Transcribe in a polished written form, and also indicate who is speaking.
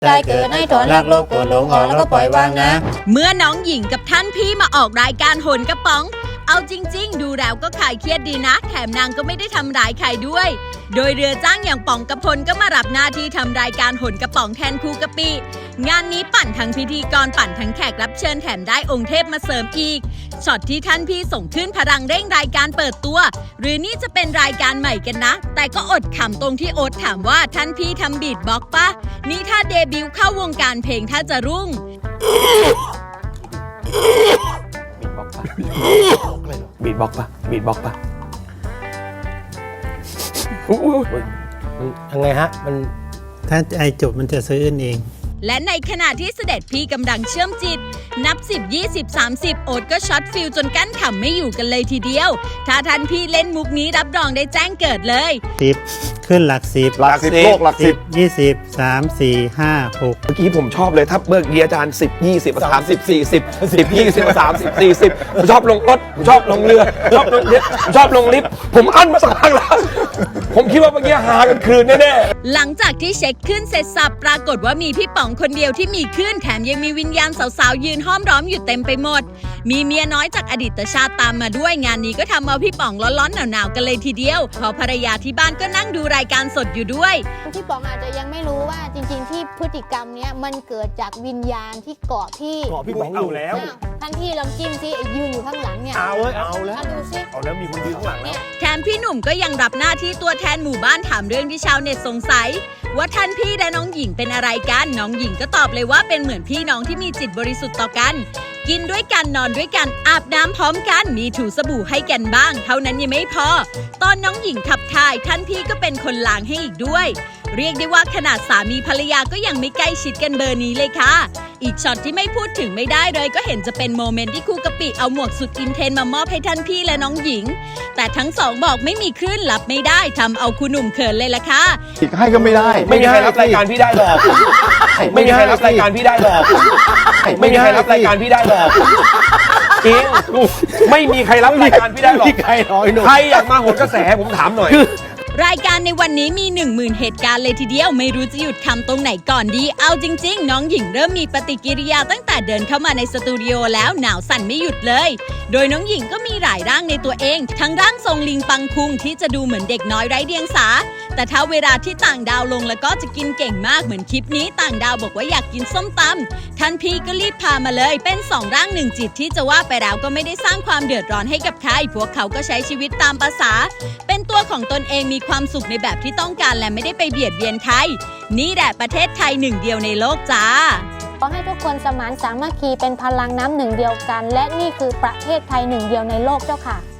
Speaker 1: ใจเกิดให้ถอนรักโลภโกรธหลงออกแล้วก็ปล่อยวางนะ
Speaker 2: เมื่อน้องหญิงกับท่านพี่มาออกรายการโหนกระป๋องเอาจริงๆดูแล้วก็ขายเครียดดีนะแถมนางก็ไม่ได้ทำร้ายใครด้วยโดยเรือจ้างอย่างป๋องกระพลก็มารับหน้าที่ทำรายการโหนกระป๋องแทนครูกะปิงานนี้ปั่นทั้งพิธีกรปั่นทั้งแขกรับเชิญแถมได้องค์เทพมาเสริมอีกช็อตที่ท่านพี่ส่งขึ้นพลังเร่งรายการเปิดตัวหรือนี่จะเป็นรายการใหม่กันนะแต่ก็อดขำตรงที่โอ๊ตถามว่าท่านพี่ทำบีทบ็อกซ์ปะนี่ถ้าเดบิวต์เข้าวงการเพลงถ้าจะรุ่ง
Speaker 3: บีทบ็อกซ์ปะบีทบ็อกซ์ปะ
Speaker 4: ยังไงฮะมันถ้าไอจบมันจะซื้อเอง
Speaker 2: และในขณะที่เสด็จพี่กำลังเชื่อมจิตนับ10 20 30โอ๊ตก็ช็อตฟิลจนกั้นขำไม่อยู่กันเลยทีเดียวถ้าท่านพี่เล่นมุกนี้รับรองได้แจ้งเกิดเลย
Speaker 4: 10ขึ้นหลัก10
Speaker 3: หลัก10โลกหลัก10
Speaker 4: 20 3 4 5 6
Speaker 3: เมื่อกี้ผมชอบเลยถ้าเบิกเกียร์อาจารย์10 20 30 40 10 20 30 40ผมชอบลงรถผมชอบลงเรือชอบลงลิฟต์ชอบลงลิฟต์ผมอั้นมาสักพักแล้วผมคิดว่าเมื่อกี้หากันคืนแน่
Speaker 2: ๆหลังจากที่เช็คขึ้นเสร็จสับปรากฏว่ามีพี่ป๋องคนเดียวที่มีขึ้นแถมยังมีวิญญาณสาวๆยืนห้อมล้อมอยู่เต็มไปหมดมีเมียน้อยจากอดีตชาติตามมาด้วยงานนี้ก็ทำเอาพี่ป๋องร้อนๆหนาวๆกันเลยทีเดียวพอภรรยาที่บ้านก็นั่งดูรายการสดอยู่ด้วย
Speaker 1: พี่ป๋องอาจจะยังไม่รู้ว่าจริงๆที่พฤติกรรมเนี้ยมันเกิดจากวิญญาณที่เกาะพี่
Speaker 3: ป๋องอยู่แล้ว
Speaker 1: ท่านพี่ลองจิ้มซิยืนอยู่ข้างหลังเนี่ย
Speaker 3: เอาแล้ว
Speaker 1: ดูซิ
Speaker 3: เอาแล้วมีคนยืนข้างหลังแล้ว
Speaker 2: แถมพี่หนุ่มก็ยังรับหน้าที่ตัวแทนหมู่บ้านถามเรื่องที่ชาวเน็ตสงสัยว่าท่านพี่และน้องหญิงเป็นอะไรกันน้องหญิงก็ตอบเลยว่าเป็นเหมือนพี่น้องที่มีจิตบริสุทธิ์ต่อกันกินด้วยกันนอนด้วยกันอาบน้ำพร้อมกันมีถูสบู่ให้กันบ้างเท่านั้นยังไม่พอตอนน้องหญิงขับถ่ายท่านพี่ก็เป็นคนล้างให้อีกด้วยเรียกได้ว่าขนาดสามีภรรยาก็ยังไม่ใกล้ชิดกันเบอร์นี้เลยค่ะอีกช็อตที่ไม่พูดถึงไม่ได้เลยก็เห็นจะเป็นโมเมนต์ที่ครูกะปิเอาหมวกสุดอินเทนมามอบให้ท่านพี่และน้องหญิงแต่ทั้งสองบอกไม่มีคลื่นรับไม่ได้ทำเอาคุณหนุ่มเขินเลยล่ะค่ะ
Speaker 5: อีกให้ก็ไม่ได้
Speaker 3: ไม่มีใครรับรายการพี่ได้หรอกไม่มีใครรับรายการพี่ได้หรอกไม่มีใครรับรายการพี่ได้หรอกจริงไม่มีใครรับรายการพี่ได้หรอกใครอยากมาโหนกระแสผมถามหน่อย
Speaker 2: รายการในวันนี้มี 10,000 เหตุการณ์เลยทีเดียวไม่รู้จะหยุดคำตรงไหนก่อนดีเอาจริงๆน้องหญิงเริ่มมีปฏิกิริยาตั้งแต่เดินเข้ามาในสตูดิโอแล้วหนาวสั่นไม่หยุดเลยโดยน้องหญิงก็มีหลายร่างในตัวเองทั้งร่างทรงลิงปังคุงที่จะดูเหมือนเด็กน้อยไร้เดียงสาแต่ถ้าเวลาที่ต่างดาวลงแล้วก็จะกินเก่งมากเหมือนคลิปนี้ต่างดาวบอกว่าอยากกินส้มตำท่านพี่ก็รีบพามาเลยเป็น2ร่าง1จิตที่จะว่าไปแล้วก็ไม่ได้สร้างความเดือดร้อนให้กับใครพวกเขาก็ใช้ชีวิตตามภาษาเป็นตัวของตนเองมีความสุขในแบบที่ต้องการและไม่ได้ไปเบียดเบียนใครนี่แหละประเทศไทยหนึ่งเดียวในโลกจ้า
Speaker 1: ขอให้ทุกคนสมานสามัคคีเป็นพลังน้ำหนึ่งเดียวกันและนี่คือประเทศไทยหนึ่งเดียวในโลกเจ้าค่ะ